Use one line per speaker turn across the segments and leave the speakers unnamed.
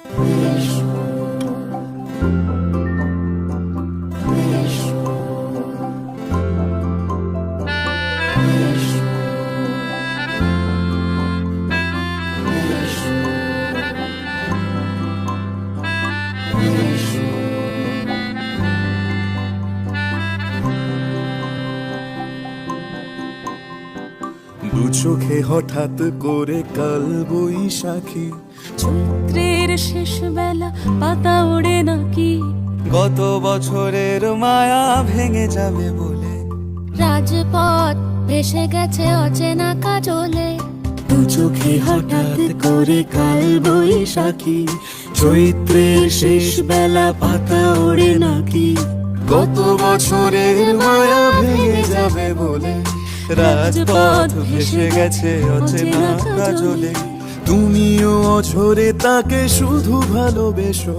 দু চোখে হঠাৎ করে কাল বৈশাখী,
চৈত্রের শেষ বেলা পাতা ওড়ে নাকি,
গত বছরের মায়া ভেঙে যাবে বলে
রাজপথ ভেসে গেছে অচেনা কাজলে।
দু চোখে হঠাৎ করে কাল বৈশাখী, চৈত্রের শেষ বেলা পাতা ওড়ে নাকি, গত বছরের মায়া ভেঙে যাবে বলে রাজপথ ভেসে গেছে অচেনা কাজলে। তুমিও অঝরে তাকে শুধু ভালোবেসো,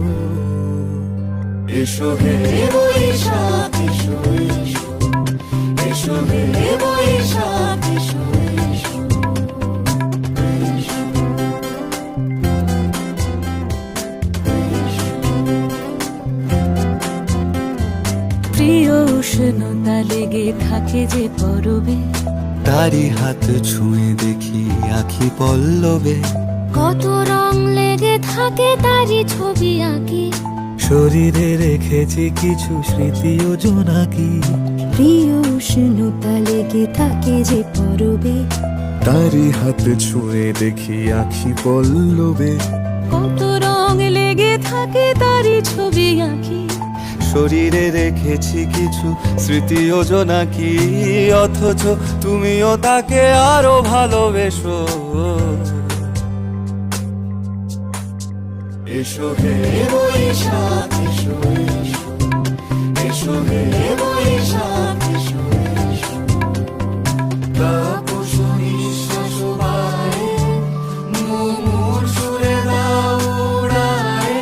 এসো হে বৈশাখ এসো এসো, এসো হে বৈশাখ এসো এসো।
প্রিয় উষ্ণতা লেগে থাকে যে পরবে,
তারি হাত ছুঁয়ে দেখি আখি পল্লবে,
কত রং লেগে থাকে তারই ছবি আঁকি,
শরীরে রেখেছি কিছু স্মৃতি ও জোনাকি।
প্রিয় উষ্ণতা লেগে থাকে যে পরবে,
তারি হাত ছুঁয়ে দেখি আখি পল্লবে,
কত রং লেগে থাকে তারই ছবি আঁকি,
শরীরে রেখেছি কিছু স্মৃতি ও জোনাকি। অথচ তুমিও তাকে আরো ভালোবেসো, এসো হে বৈশাখ এসো এসো, এসো হে বৈশাখ এসো এসো। তাপস নিঃশ্বাস বায়ে, মুমুর সুরে দাও উড়ায়ে,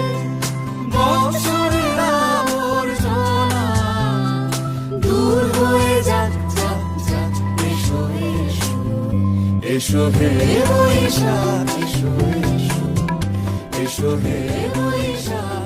বৎসরের আবর্জনা দূর হয়ে যাক যাক যাক। এসো এসো, এসো হে বৈশাখ এসো এসো, এসো হে বৈশাখ।